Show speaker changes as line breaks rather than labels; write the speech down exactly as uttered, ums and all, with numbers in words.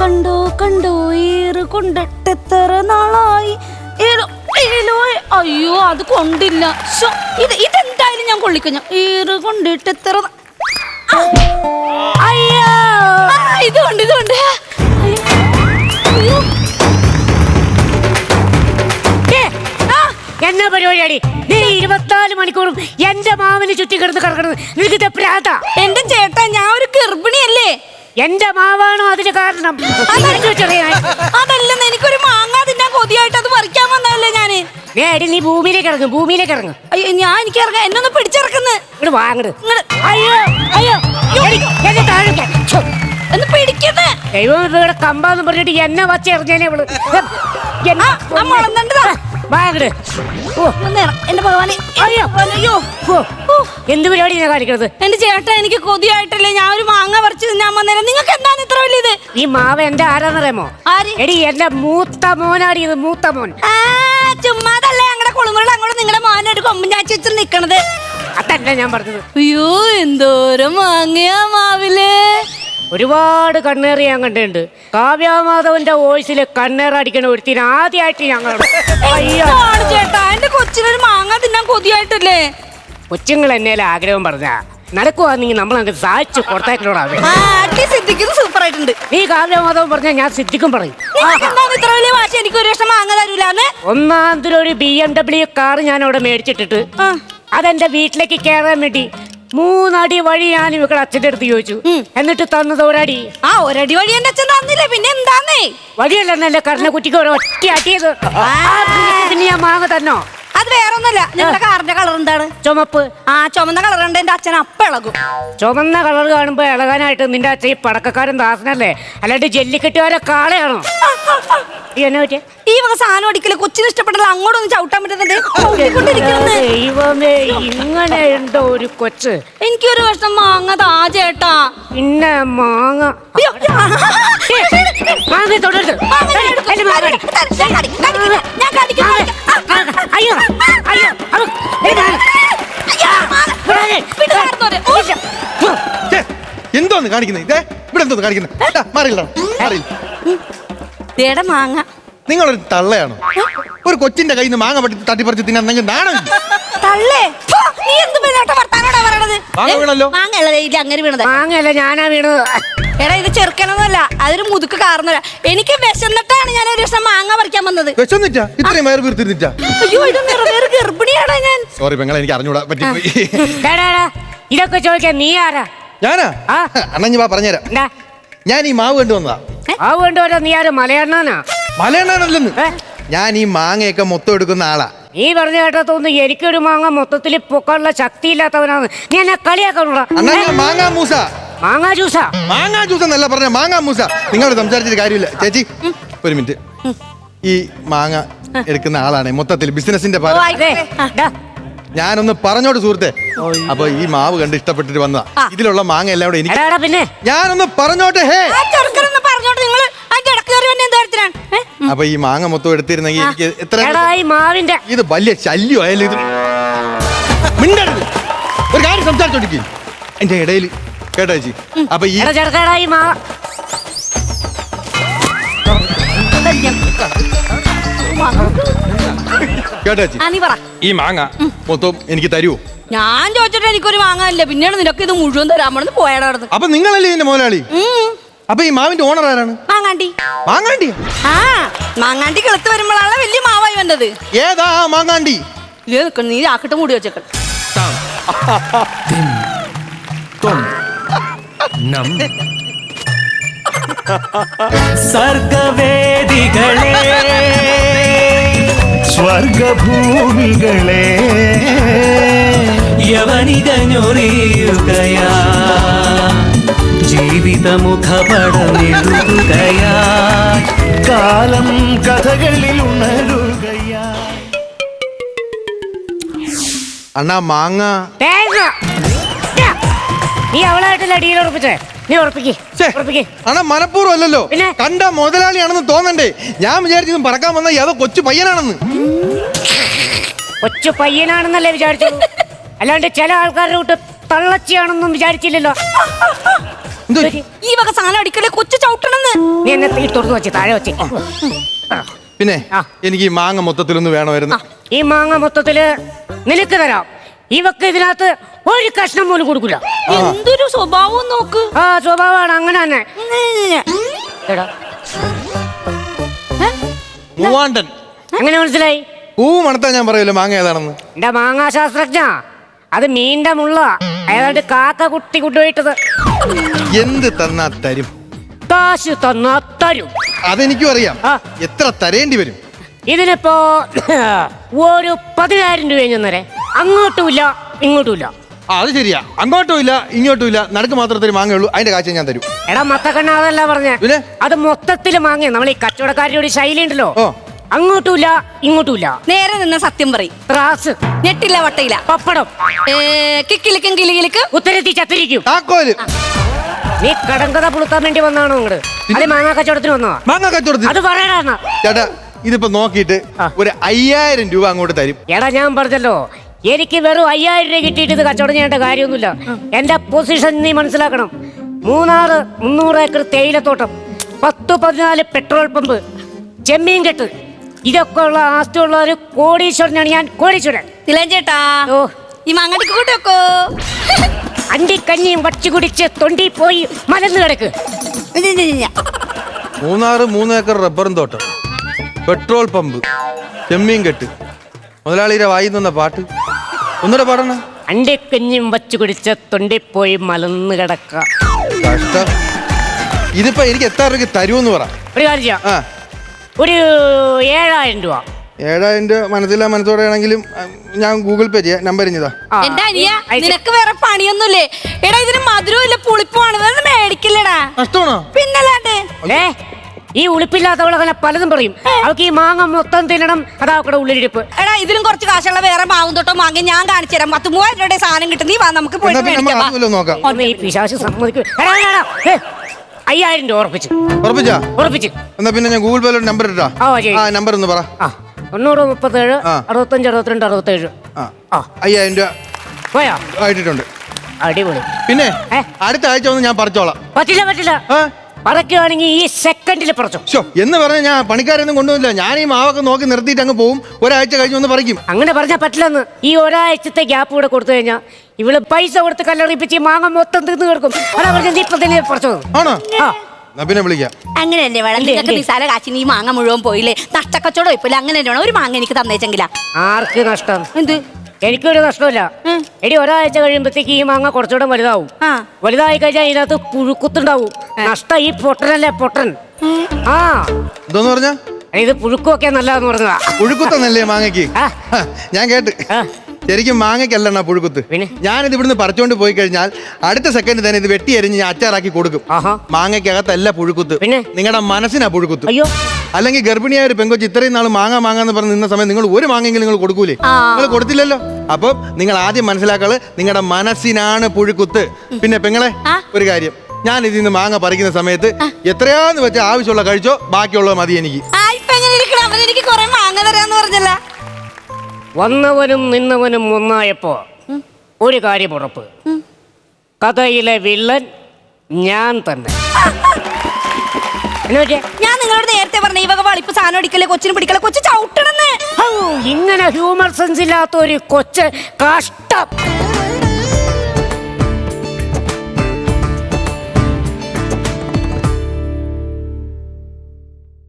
കണ്ടോ കണ്ടോ ഏറ് കൊണ്ടിട്ടെത്ര നാളായി. അയ്യോ അത് കൊണ്ടില്ല. ഇത് ഇതെന്തായാലും ഞാൻ കൊള്ളിക്കഞ്ഞ. ഏറ് കൊണ്ടിട്ടെത്ര അയ്യോ ഇതുകൊണ്ട് ഇതുകൊണ്ട്
എന്നാ പരിപാടിയാടി? നീ ഇരുപത്തിനാല് മണിക്കൂറും എന്റെ മാവിന് ചുറ്റി കിടന്ന് കിടക്കുന്നത് നിനക്ക് പ്രാത.
എന്റെ ചേട്ടാ ഞാൻ ഒരു ഗർഭിണിയല്ലേ.
എന്റെ മാവാണോ അതിന് കാരണം?
അതല്ലെന്ന് എനിക്കൊരു മാങ്ങ തിന്നാൻ കൊതിയായിട്ട് അത് പറിക്കാൻ വന്നതല്ലേ ഞാന്.
നേടി നീ ഭൂമിയിലേക്ക് ഇറങ്ങും, ഭൂമിയിലേക്ക് ഇറങ്ങും.
അയ്യോ ഞാൻ എനിക്ക് ഇറങ്ങാം, എന്നൊന്ന് പിടിച്ചിറക്കുന്നു.
ഇങ്ങോട്ട് വാങ്ങട്. അയ്യോ അയ്യോ എന്നെ താഴെ
എന്ന് പിടിക്കുന്നത്.
ദൈവം ഇവിടെ കമ്പാന്ന് പറഞ്ഞിട്ട് എന്നെ വച്ച എറിഞ്ഞേനെ ഇവള്. വാങ്ങട്. ഓ
എന്റെ ഭഗവാനെ.
അയ്യോ അയ്യോ എന്ത് പരിപാടി ഞാൻ കാണിക്കണത്?
എന്റെ ചേട്ടാ എനിക്ക് കൊതിയായിട്ടല്ലേ ഞാൻ ഒരു മാങ്ങ പറിച്ച് തിന്നാൻ വന്നേരം. നിങ്ങൾക്ക് എന്താണ് ഇത്ര വലിയത്?
ഈ മാവ് എന്റെ ആരാന്നറിയാമോ? എടി എന്റെ മൂത്ത മോനാടി ഇത്, മൂത്ത മോൻ.
ചുമ്മാതല്ലേ ഞങ്ങളുടെ കുളിമുറിൽ അങ്ങോട്ട് നിങ്ങളുടെ മോനെ ഒരു കൊമ്പൻ ചാച്ചി വെച്ച് നിക്കണത്.
അതല്ല ഞാൻ പറഞ്ഞത്.
അയ്യോ എന്തോരം മാങ്ങയാ മാവില്.
ഒരുപാട് കണ്ണേറി ഞാൻ കണ്ടിട്ടുണ്ട്. കാവ്യാമാധവന്റെ വോയിസില് കണ്ണേറടിക്കണ ഒരുത്തിന് ആദ്യമായിട്ട് ഞങ്ങൾ.
ചേട്ടാ എന്റെ കൊച്ചിനൊരു മാങ്ങ തിന്നാൻ കൊതിയായിട്ടല്ലേ.
കൊച്ചുങ്ങൾ എന്നേലും ആഗ്രഹം പറഞ്ഞ നടക്കുവാണെങ്കിൽ നമ്മൾ അങ്ങ് സാധിച്ചു കൊടുത്തേക്കണോടാ.
സിദ്ധിക്കുന്നത് സൂപ്പർ ആയിട്ടുണ്ട്.
നീ കാവ്യാമാധവൻ പറഞ്ഞാൽ ഞാൻ സിദ്ധിക്കും പറയും.
ഇത്ര വലിയ വാശി എനിക്ക് ഒരു വർഷം മാങ്ങ തരൂലെന്ന്.
ഒന്നാമതൊരു ഒരു ബി എം ഡബ്ല്യു കാർ ഞാൻ അവിടെ മേടിച്ചിട്ടിട്ട് അതെന്റെ വീട്ടിലേക്ക് കയറാൻ വേണ്ടി മൂന്നടി വഴി ഞാൻ ഇവക്കളുടെ അച്ഛൻ്റെ അടുത്ത് ചോദിച്ചു. എന്നിട്ട് തന്നത് ഒരടി.
ആ ഒരടി വഴി എന്റെ അച്ഛൻ തന്നില്ലേ, പിന്നെ എന്താന്നേ?
വഴിയല്ലെന്നല്ലേ കറിനെ കുറ്റിക്ക് ഒറ്റ അടിയത്. പിന്നെ ഞാൻ മാങ്ങ തന്നോ?
അത് വേറൊന്നല്ല, നിങ്ങളുടെ കാറിന്റെ കളർ എന്താണ്?
ചുമപ്പ്.
ആ ചുമന്ന കളർ ഉണ്ട് എന്റെ അച്ഛൻ അപ്പ ഇളകും.
ചുമന്ന കളർ കാണുമ്പോ ഇളകാനായിട്ട് നിന്റെ അച്ഛൻ ഈ പടക്കക്കാരൻ ദാസനല്ലേ, അല്ലാണ്ട് ജല്ലിക്കെട്ടുകാരെ കാളയാണോ? എന്നെ പറ്റിയ
ഈ വക സാധനം അടിക്കല് കൊച്ചിന് ഇഷ്ടപ്പെട്ടല്ല, അങ്ങോട്ടൊന്നും ചവിട്ടാൻ പറ്റുന്നുണ്ട്.
ദൈവമേ ഇങ്ങനെ ഉണ്ടോ ഒരു കൊച്ച്?
എനിക്കൊരു വർഷം മാങ്ങ താ ചേട്ടാ.
പിന്നെ മാങ്ങ മാങ്ങ തൊടരുത്. അയ്യോ അയ്യോ
എന്തോന്ന് കാണിക്കുന്നത്? ഇതേ ഇവിടെ എന്തോന്ന് കാണിക്കുന്നത്? മാറിയില്ല
മാങ്ങ.
നിങ്ങളൊരു തള്ളയാണോ? ഒരു കൊച്ചിന്റെ കയ്യിൽ നിന്ന് മാങ്ങ പറ്റി തട്ടിപ്പറിച്ച് തിന്നെങ്കിൽ നാണം.
മാങ്ങയല്ല ഞാനാ വീണത്.
എടാ ഇത് ചെറുക്കനൊന്നുമല്ല, അതൊരു മുതുക്ക് കാർന്നല്ല. എനിക്ക് വിശന്നിട്ടാണ് ഞാൻ ഒരു ദിവസം മാങ്ങ പറിക്കാൻ വന്നത്.
വിശന്നിട്ടാ? ഇത്രയും വയറ് വീർത്തിരുന്നിട്ടാ?
അയ്യോ ഇത് നിറവേറ് ഗർഭിണിയാടാ ഞാൻ.
സോറി പെങ്ങളെ, എനിക്ക് അറിഞ്ഞൂടാ പറ്റിപ്പോയി.
ഇതൊക്കെ ചോദിക്കാൻ നീ ആരാ?
ഞാനാ അണ്ണഞ്ഞു വാ പറഞ്ഞുതരാം. ഞാൻ ഈ മാവ് കണ്ടു വന്നതാ.
മാവ് കൊണ്ടുവരാ? നീ ആര്? മലയണ്ണാനാ?
മലയണ്ണാനല്ലെന്ന്, ഞാൻ ഈ മാങ്ങയൊക്കെ മൊത്തം എടുക്കുന്ന ആളാ.
നീ പറഞ്ഞ കേട്ടാ തോന്നുന്നു എനിക്കൊരു മാങ്ങ മൊത്തത്തിൽ പൊക്കാനുള്ള ശക്തി ഇല്ലാത്തവനാണ്. നീ എന്നെ കളിയാക്കണോടാ.
മാങ്ങാ മൂസ.
മാങ്ങാ ജ്യൂസാ?
മാങ്ങാ ജ്യൂസ് എന്നല്ല പറഞ്ഞ, മാങ്ങാ മൂസ. നിങ്ങൾ സംസാരിച്ചിട്ട് കാര്യമില്ല. ചേച്ചി ഒരു മിനിറ്റ്. ഈ മാങ്ങ എടുക്കുന്ന ആളാണ് മൊത്തത്തിൽ ബിസിനസിന്റെ ഞാനൊന്ന് പറഞ്ഞോട്ട് സുഹൃത്തെ. അപ്പൊ ഈ മാവ് കണ്ട് ഇഷ്ടപ്പെട്ടിട്ട് വന്നതാ. ഇതിലുള്ള മാങ്ങ എല്ലാം കൂടെ എനിക്ക് പിന്നെ ഞാനൊന്ന് പറഞ്ഞോട്ടെ. ഹേ അപ്പൊ ഈ മാങ്ങ മൊത്തം എടുത്തിരുന്നെങ്കിൽ എനിക്ക് എത്ര
മാവിന്റെ
ഇത് വലിയ ശല്യമായാലും ഇത് മിണ്ടരുത്. ഒരു കാര്യം സംസാരിച്ചോണ്ടിരിക്കും എന്റെ ഇടയിൽ കേട്ടോ ചേച്ചി. അപ്പൊ ഈ കേട്ടോ ചേച്ചി, ഈ മാങ്ങ മൊത്തം എനിക്ക് തരുമോ?
ഞാൻ ചോദിച്ചിട്ട് എനിക്കൊരു മാങ്ങ ഇല്ല, പിന്നെയാണ് നിനക്ക് ഇത് മുഴുവൻ തരാമെന്ന് പോയാടാ.
അപ്പൊ നിങ്ങളല്ലേ ഇതിന്റെ മുതലാളി? അപ്പൊ ഈ മാവിന്റെ ഓണർ ആരാണ്?
മാങ്ങാണ്ടി.
മാങ്ങാണ്ടി?
ആ മാങ്ങാണ്ടി കിളത്ത് വരുമ്പോഴാണ് വലിയ മാവായി വന്നത്.
ഏതാ മാങ്ങാണ്ടി?
നീ ആക്കിട്ട് മൂടി വെച്ചേക്കൾ.
സർഗവേദികളെ സ്വർഗഭൂമികളെ യവനികഞ്ഞൊറിയുകയാ ജീവിതമുഖപടമെഴുതുകയാ കാലം കഥകളിൽ ഉണരുകയാ.
അണ്ണാ മാങ്ങ
നീ അവളായിട്ടല്ല അടിയിൽ ഉറപ്പിച്ചേ. നീ ഉറപ്പിക്കേ.
അണ്ണാ മനഃപൂർവ്വം അല്ലല്ലോ, കണ്ട മുതലാളിയാണെന്ന് തോന്നണ്ടേ. ഞാൻ വിചാരിച്ചത് പറക്കാൻ വന്ന ഏതോ കൊച്ചു പയ്യനാണെന്ന്.
കൊച്ചു പയ്യനാണെന്നല്ലേ വിചാരിച്ചു, അല്ലാണ്ട് ചില ആൾക്കാരുടെ കൂട്ട് തള്ളച്ചിയാണെന്നും വിചാരിച്ചില്ലല്ലോ.
ഈ വക സാധനം അടിക്കലേ കൊച്ചു ചവിട്ടണെന്ന്.
നീ എന്നെ തുറന്നു വെച്ച് താഴെ വെച്ച്
പിന്നെ
ആ.
എനിക്ക് ഈ മാങ്ങ മൊത്തത്തിലൊന്ന് വേണമായിരുന്നു.
ഈ മാങ്ങ മൊത്തത്തില് നിനക്ക് തരാം. ഇവക്ക് ഇതിനകത്ത് ഒരു കഷ്ണം പോലും കൊടുക്കില്ല.
എന്തൊരു സ്വഭാവം നോക്ക്.
ആ സ്വഭാവമാണ് അങ്ങനെ തന്നെ. എടാ
മൂവാണ്ടൻ
എങ്ങനെ മനസ്സിലായി?
പൂ മണത്താ ഞാൻ പറയൂല്ലോ മാങ്ങ ഏതാണെന്ന്.
എന്റെ മാങ്ങാ ശാസ്ത്രജ്ഞ, അത് മീൻ്റെ മുള്ള ഏതാണ്ട് കാക്ക കുട്ടി കൊണ്ടുപോയിട്ടത്.
എന്ത് തന്നാ തരും?
കാശ് തന്നാ തരും.
അതെനിക്കും അറിയാം.
ആ.
എത്ര തരേണ്ടി വരും?
ഇതിനിപ്പോ ഒരു പതിനായിരം രൂപ ചെന്നേരെ. അങ്ങോട്ടുമില്ല ഇങ്ങോട്ടുമില്ല.
ആ അത് ശരിയാ. അങ്ങോട്ടും ഇല്ല ഇങ്ങോട്ടും ഇല്ല, നടുക്ക് മാത്രത്തിൽ മാങ്ങയുള്ളൂ. അതിന്റെ കാശ് ഞാൻ തരും.
എടാ മത്തക്കണ്ണ അതല്ല പറഞ്ഞേ,
പിന്നെ?
അത് മൊത്തത്തില് മാങ്ങിയ നമ്മൾ ഈ കച്ചവടക്കാരുടെ ഒരു ശൈലി ഉണ്ടല്ലോ.
ഓ.
അങ്ങോട്ടുമില്ല ഇങ്ങോട്ടുമില്ല.
നേരെ നിന്ന സത്യം പറയും.
ത്രാസ്,
ഞെട്ടില്ല വട്ടയില്ല.
പപ്പടം,
ഏ, കിക്കിലിക്കും കിളികിലിക്കും
ഉത്തരത്തി ചത്തിരിക്കും.
താക്കോല്
നീ കടങ്കഥ പുളുത്താൻ വേണ്ടി വന്നാണോ ഇങ്ങട്? അത് മാങ്ങാ കച്ചവടത്തിന് വന്നോ?
മാങ്ങ കച്ചവടത്തിൽ.
അത് പറയടാ എന്നാ.
ചേട്ടാ ഇതിപ്പോ നോക്കിയിട്ട്
ആ.
ഒരു അയ്യായിരം രൂപ അങ്ങോട്ട് തരും.
എടാ ഞാൻ പറഞ്ഞല്ലോ, എനിക്ക് വെറും അയ്യായിരം രൂപ കിട്ടിയിട്ട് ഇത് കച്ചവടം ചെയ്യേണ്ട കാര്യമൊന്നുമില്ല. എന്റെ പൊസിഷൻ നീ മനസ്സിലാക്കണം. മൂന്നാറ് മുന്നൂറ് ഏക്കർ തേയിലത്തോട്ടം, പത്ത് പതിനാല് പെട്രോൾ പമ്പ്, ചെമ്മീൻ കെട്ട്, ഇതൊക്കെ ഉള്ള ആസ്തിയുള്ള ഒരു കോടീശ്വരനാണ് ഞാൻ. കോടീശ്വരൻ.
തിലൻ ചേട്ടാ,
ഓ,
ഈ മാങ്ങടിക്ക് കൂട്ടി വെക്കോ.
അണ്ടിക്കഞ്ഞിയും വച്ചു കുടിച്ച് തൊണ്ടി പോയി മലന്ന് കിടക്ക്.
മൂന്നാറ് മൂന്ന് ഏക്കർ റബ്ബറും തോട്ടം, പെട്രോൾ പമ്പ്, ചെമ്മീൻ കെട്ട്, മുതലാളിയുടെ വായി നിന്ന പാട്ട് ഒന്നുകൂടെ പാടണം.
അണ്ടിക്കഞ്ഞിയും വച്ചു കുടിച്ച് തൊണ്ടി പോയി മലന്ന് കിടക്ക.
കഷ്ടം. ഇതിപ്പോ എനിക്ക് എത്ര രൂപയ്ക്ക് തരുമെന്ന് പറ.
ഒരു കാര്യം ചെയ്യാം,
ആ
ഒരു ഏഴായിരം രൂപ.
ഏഴായിരം രൂപ മനസ്സിലാ മനസ്സോടെ ആണെങ്കിലും ഞാൻ ഗൂഗിൾ പേ ചെയ്യാം. നമ്പർ ഇഞ്ഞതാ.
ആ,
എന്റെ അനിയ,
അയച്ച്.
നിനക്ക് വേറെ പണിയൊന്നുമില്ലേ? എടാ ഇതിന് മധുരവും ഇല്ല പുളിപ്പുമാണ്. ഇതൊന്നും മേടിക്കില്ലടാ.
നഷ്ടമാണോ?
പിന്നല്ലാണ്ട്.
ഏ ഈ ഉളിപ്പില്ലാത്തവളങ്ങനെ പലതും പറയും. അവൾക്ക് ഈ മാങ്ങ മൊത്തം തിന്നണം, അതാ അവക്കടെ ഉള്ളിലിരിപ്പ്.
എടാ ഇതിലും കുറച്ച് കാശുള്ള വേറെ മാവും തൊട്ടോ മാങ്ങ ഞാൻ കാണിച്ചു തരാം. പത്ത് മൂവായിരം രൂപയുടെ സാധനം കിട്ടും. നീ വാ നമുക്ക്
എന്നാ
പോയിട്ട്
പിന്നെ നമ്മൾ
മേടിക്കാം.
അതുമല്ലോ നോക്കാം.
ഒന്ന് ഈ പിശാച് സമ്മതിക്കും. അയ്യായിരം രൂപ ഉറപ്പിച്ചു
ഉറപ്പിച്ചാ?
ഉറപ്പിച്ചു
എന്നാ പിന്നെ ഞാൻ ഗൂഗിൾ പേയിലോട്ട് നമ്പർ ഇട്ടാ.
ആ, ശരി.
ആ നമ്പർ ഒന്ന് പറ.
ആ തൊണ്ണൂറ് മുപ്പത്തേഴ്
ആ.
അറുപത്തഞ്ച് അറുപത്തിരണ്ട് അറുപത്തേഴ്.
ആ
ആ
അയ്യായിരം രൂപ
പോയാ
ആയിട്ടുണ്ട്.
അടിപൊളി.
പിന്നെ
ഏ?
അടുത്ത ആഴ്ച ഒന്ന് ഞാൻ പറിച്ചോളാം.
പറ്റില്ല പറ്റില്ല,
ആ
പറക്കുകയാണെങ്കിൽ ഈ സെക്കൻഡിൽ പറിച്ചോ.
ശോ, എന്ന് പറഞ്ഞ ഞാൻ പണിക്കാരൊന്നും കൊണ്ടുവന്നില്ല. ഞാൻ ഈ മാവൊക്കെ നോക്കി നിർത്തിയിട്ട് അങ്ങ് പോവും. ഒരാഴ്ച കഴിഞ്ഞ് ഒന്ന് പറിക്കും.
അങ്ങനെ പറഞ്ഞാൽ പറ്റില്ലെന്ന്. ഈ ഒരാഴ്ചത്തെ ഗ്യാപ്പ് കൂടെ കൊടുത്തു കഴിഞ്ഞാൽ ഇവള് പൈസ കൊടുത്ത് കല്ലറിയിപ്പിച്ച് ഈ മാങ്ങ മൊത്തം തിന്ന് കിടക്കും. അതാ പറഞ്ഞത് ഇപ്പൊ തന്നെ പറിച്ചോ.
ആണോ?
ആ
എന്നാ പിന്നെ വിളിക്കാം.
അങ്ങനെയല്ലേ വേണം.
എന്ത്,
നിനക്ക്
എന്ത്?
നിസാല കാശിന് ഈ മാങ്ങ മുഴുവൻ പോയില്ലേ? നഷ്ടക്കച്ചവടം ഇപ്പൊ അങ്ങനെ തന്നെ വേണം. ഒരു മാങ്ങ എനിക്ക് തന്നേച്ചെങ്കിലാ.
ആർക്ക് നഷ്ടം?
എന്ത്?
എനിക്കൊരു നഷ്ടമില്ല.
ഉം.
എടി ഒരാഴ്ച കഴിയുമ്പോഴത്തേക്ക് ഈ മാങ്ങ കുറച്ചുകൂടെ വലുതാവും.
ആ.
വലുതായി കഴിഞ്ഞാൽ ഇതിനകത്ത് പുഴുക്കുത്തുണ്ടാവും. നഷ്ടം ഈ പൊട്ടനല്ലേ പൊട്ടൻ. ആ
എന്തോന്ന് പറഞ്ഞ?
ഇത് പുഴുക്കുമൊക്കെ നല്ലതെന്ന് പറഞ്ഞതാ.
പുഴുക്കുത്തന്നല്ലേ മാങ്ങയ്ക്ക്?
ആ.
ഹ, ഞാൻ കേട്ട്.
ആ.
ശരിക്കും മാങ്ങയ്ക്കല്ലണ്ണ പുഴുക്കുത്ത്.
പിന്നെ?
ഞാനിത് ഇവിടുന്ന് പറിച്ചോണ്ട് പോയി കഴിഞ്ഞാൽ അടുത്ത സെക്കൻഡ് തന്നെ ഇത് വെട്ടി അരിഞ്ഞ് ഞാൻ അച്ചാറാക്കി കൊടുക്കും.
ആഹാ.
മാങ്ങയ്ക്കകത്തല്ല പുഴുക്കുത്ത്.
പിന്നെ?
നിങ്ങളുടെ മനസ്സിനാ പുഴുക്കുത്ത്.
അയ്യോ,
അല്ലെങ്കിൽ ഗർഭിണിയായ ഒരു പെങ്കൊച്ച് ഇത്രയും നാൾ മാങ്ങ മാങ്ങാന്ന് പറഞ്ഞ് നിന്ന സമയം നിങ്ങൾ ഒരു മാങ്ങെങ്കിലും നിങ്ങൾ കൊടുക്കൂലേ?
ആ.
നിങ്ങൾ കൊടുത്തില്ലല്ലോ. അപ്പം നിങ്ങൾ ആദ്യം മനസ്സിലാക്കള് നിങ്ങളുടെ മനസ്സിനാണ് പുഴുക്കുത്ത്. പിന്നെ പെങ്ങളെ
ആ.
ഒരു കാര്യം, ഞാൻ ഇതിൽ നിന്ന് മാങ്ങ പറിക്കുന്ന സമയത്ത് എത്രയാന്ന് വെച്ചാൽ ആവശ്യമുള്ള കഴിച്ചോ, ബാക്കിയുള്ളത് മതി എനിക്ക്.
ആ ഇപ്പൊ എങ്ങനെ ഇരിക്കണം? അവൻ എനിക്ക് കുറെ മാങ്ങ തരാന്ന് പറഞ്ഞല്ല.
വന്നവനും നിന്നവനും ഒന്നായപ്പോ ഒരു കാര്യം ഉറപ്പ്, കഥയിലെ വില്ലൻ ഞാൻ തന്നെ. എന്നാ പറ്റിയെ?
ഞാൻ നിങ്ങളോട് നേരത്തെ പറഞ്ഞ ഈ വക വളിപ്പ് സാധനം അടിക്കല്ലേ, കൊച്ചിന് പിടിക്കല്ലേ, കൊച്ചു ചവിട്ടണെന്ന്.
ഹൗ, ഇങ്ങനെ ഹ്യൂമർ സെൻസ് ഇല്ലാത്ത ഒരു കൊച്ച് കഷ്ടം.